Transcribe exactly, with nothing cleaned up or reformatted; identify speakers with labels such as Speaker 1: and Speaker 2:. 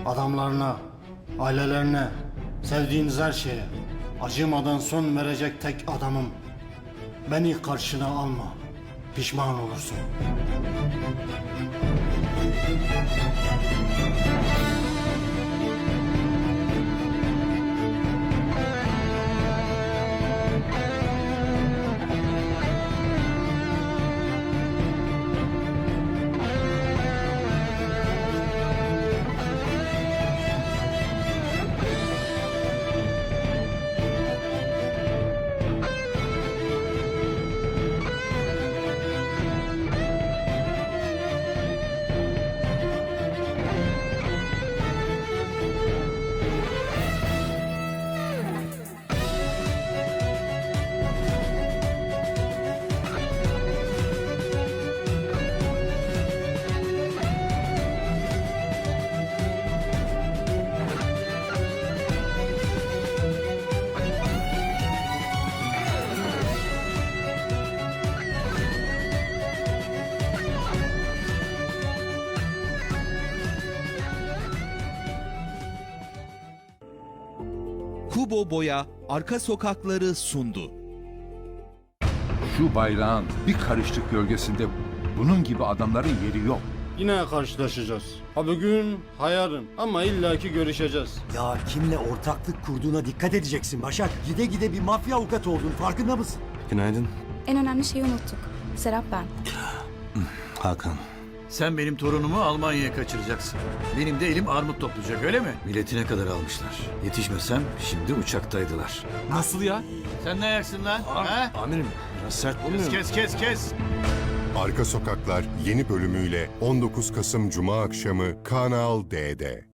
Speaker 1: Adamlarına, ailelerine, sevdiğiniz her şeye acımadan son verecek tek adamım. Beni karşına alma. Pişman olursun.
Speaker 2: Kubo Boya Arka Sokakları sundu.
Speaker 3: Şu bayrağın bir karışlık gölgesinde bunun gibi adamların yeri yok.
Speaker 1: Yine karşılaşacağız. Ha bugün, ha yarın. Ama illaki görüşeceğiz.
Speaker 4: Ya kimle ortaklık kurduğuna dikkat edeceksin Başak. Gide gide bir mafya avukatı oldun, farkında mısın?
Speaker 5: Günaydın.
Speaker 6: En önemli şeyi unuttuk. Serap ben.
Speaker 5: Hakan.
Speaker 7: Sen benim torunumu Almanya'ya kaçıracaksın. Benim de elim armut toplayacak, öyle mi? Biletine kadar almışlar. Yetişmesem şimdi uçaktaydılar.
Speaker 5: Nasıl ya?
Speaker 7: Sen ne ayaksın lan? Ha?
Speaker 5: Amirim biraz sert olmuyor mu?
Speaker 7: Kes kes kes.
Speaker 8: Arka Sokaklar yeni bölümüyle on dokuz Kasım Cuma akşamı Kanal D'de.